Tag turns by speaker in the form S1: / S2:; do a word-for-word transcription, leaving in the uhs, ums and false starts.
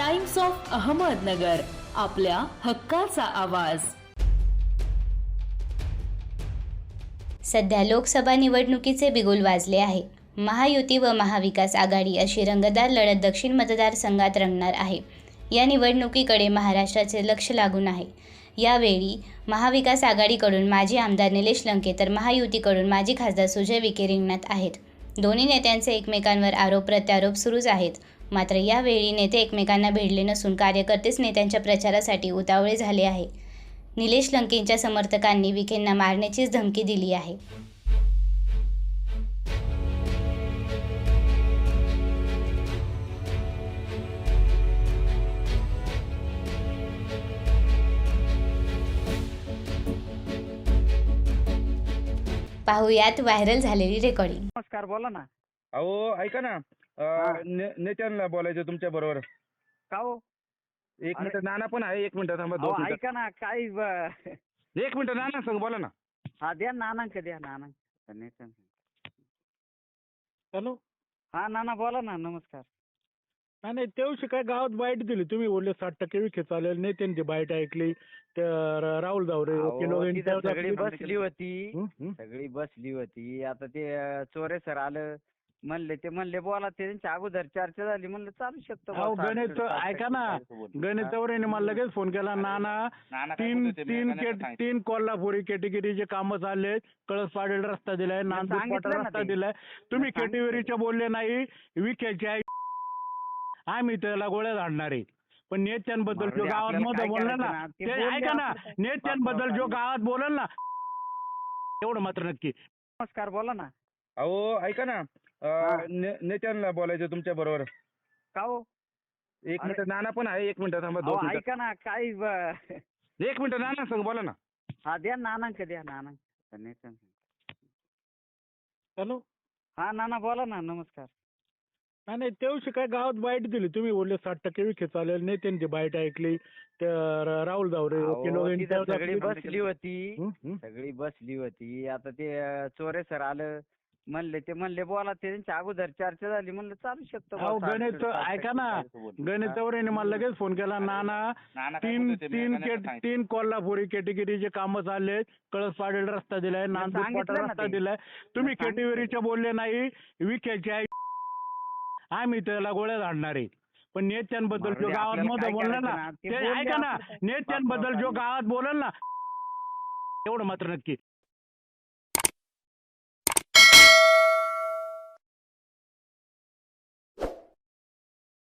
S1: Times of Ahmednagar, आपल्या हक्काचा आवाज।
S2: सध्या लोकसभा निवडणुकीचे बिगुल वाजले आहे। महायुती व महाविकास आघाडी अशी रंगतदार लढत दक्षिण मतदारसंघात रंगणार आहे। या निवडणुकीकडे महाराष्ट्राचे लक्ष लागून आहे। यावेळी महाविकास आघाडीकडून माजी आमदार निलेश लंके तर महायुतीकडून माजी खासदार सुजय विखे रिंगणात आहेत। दोन्ही नेत्यांचे एकमेकांवर आरोप प्रत्यारोप सुरूच आहेत। मात्र यावेळी नेते एकमेकांना भिडले नसून कार्यकर्तेच नेत्यांच्या प्रचारासाठी उतावळे झाले आहे। निलेश लंकेंच्या समर्थकांनी विखेंना मारण्याचीच धमकी दिली आहे। पाहुयात व्हायरल झालेली रेकॉर्डिंग।
S3: नमस्कार, बोला ना।
S4: अहो ऐका ना,
S3: हा.
S4: अं, ने- नेत्यांना बोलायचं तुमच्या बरोबर।
S3: का हो?
S4: एक
S3: अरे.
S4: मिनिट, नाना पण आहे, एक मिनिट थांबा, दोन
S3: अहो,
S4: मिनिटं.
S3: ऐका ना, काय ब-
S4: एक मिनिट, नाना सांग, बोला ना.
S3: हा, द्या नानांक द्या नानांक. नाही सांग.
S5: हॅलो.
S3: हा नाना, बोला ना। नमस्कार।
S5: नाही नाही, त्या दिवशी काय गावात बाईट दिली तुम्ही, बोलले साठ टक्के विखे चालेल, नेत्यांची बाईट ऐकली, तर राहुल जावरे
S3: अहो,
S5: वकील वगैरे
S3: तिथं
S5: त्यावर
S3: सगळी
S5: आपली-
S3: बसली होती
S5: हं, हं.
S3: सगळी बसली होती आता ते अं, चोरे सर आलं म्हणले, ते म्हणले बोला, ते त्यांच्या अगोदर चर्चा झाली, म्हणलं चालू शकतो
S5: अहो
S3: बुवा, साठ-
S5: गणेश
S3: साठ
S5: ऐका ना,
S3: टक्के.
S5: गणेश चौरेने मला लगेच फोन केला, नाना
S4: नाना काय
S5: तीन
S4: बोलते, मी
S5: तीन
S4: नानाला
S5: केट-
S4: सांगितलं.
S5: तीन कोल्हापुरी कॅटेगरीचे कामं चालले, कळस पाडेल रस्ता दिलाय, नांदूर
S3: सांगितलं
S5: पाटा
S3: ना
S5: रस्ता
S3: ते.
S5: दिलाय, तुम्ही
S3: मी सांगितलं.
S5: कॅटेगरीचे बोलले नाही, विखेचे आहे, आम्ही त्याला गोळ्या झाडणार आहे। पण नेत्यांबद्दल
S3: मारू
S5: जो
S3: दे,
S5: गावात
S3: आपल्याला
S5: मध्ये
S3: काय
S5: बोलला
S3: करायचं
S5: ना,
S3: ना, ते
S5: ते
S3: बोलले
S5: ऐका ना,
S3: आपलं.
S5: नेत्यांबद्दल जो
S3: बापरे.
S5: गावात बोलल ना, एवढं मात्र नक्की।
S3: नमस्कार, बोला ना।
S4: अहो ऐका ना,
S3: हा.
S4: अं, ने- नेत्यांना बोलायचं तुमच्या बरोबर।
S3: का हो?
S4: एक
S3: अरे.
S4: मिनिट, नाना पण आहे, एक मिनिट थांबा, दोन
S3: अहो,
S4: मिनिटं.
S3: ऐका ना, काय ब-
S4: एक मिनिट, नाना सांग, बोला ना.
S3: हा, द्या नानांक द्या नानांक. नाही सांग.
S5: हॅलो.
S3: हा नाना, बोला ना। नमस्कार।
S5: नाही नाही, त्या दिवशी काय गावात बाईट दिली तुम्ही, बोलले साठ टक्के विखे चालेल, नेत्यांची बाईट ऐकली, तर राहुल जावरे वकील
S3: अहो,
S5: वगैरे
S3: तिथं
S5: त्यावर
S3: सगळी
S5: आपली-
S3: बसली होती
S5: हं, हं.
S3: सगळी बसली होती आता ते अं, चोरे सर आलं म्हणले, ते म्हणले बोला, ते त्यांच्या अगोदर चर्चा झाली, म्हणलं चालू शकतो बुवा,
S5: अहो
S3: साठ-
S5: गणेश
S3: साठ
S5: ऐका ना,
S3: टक्के.
S5: गणेश चौरेने मला लगेच फोन केला, नाना
S4: नाना काय
S5: तीन
S4: बोलते, मी
S5: तीन
S4: नानाला
S5: केट-
S4: सांगितलं.
S5: तीन कोल्हापुरी कॅटेगरीचे कामं चालले, कळस पाडेल रस्ता दिलाय, नांदूर
S3: सांगितलं
S5: पाटा
S3: ना
S5: रस्ता
S3: ते.
S5: दिलाय, तुम्ही
S3: मी सांगितलं.
S5: कॅटेगरीचे बोलले नाही, विखेचे आहे, आम्ही त्याला गोळ्या झाडणार आहे। पण नेत्यांबद्दल
S3: मारू
S5: जो
S3: दे,
S5: गावात
S3: आपल्याला
S5: मध्ये
S3: काय
S5: बोलला
S3: करायचं
S5: ना,
S3: ना, ते
S5: ते
S3: बोलले
S5: ऐका ना,
S3: आपलं.
S5: नेत्यांबद्दल जो
S3: बापरे.
S5: गावात बोलल ना, एवढं मात्र नक्की।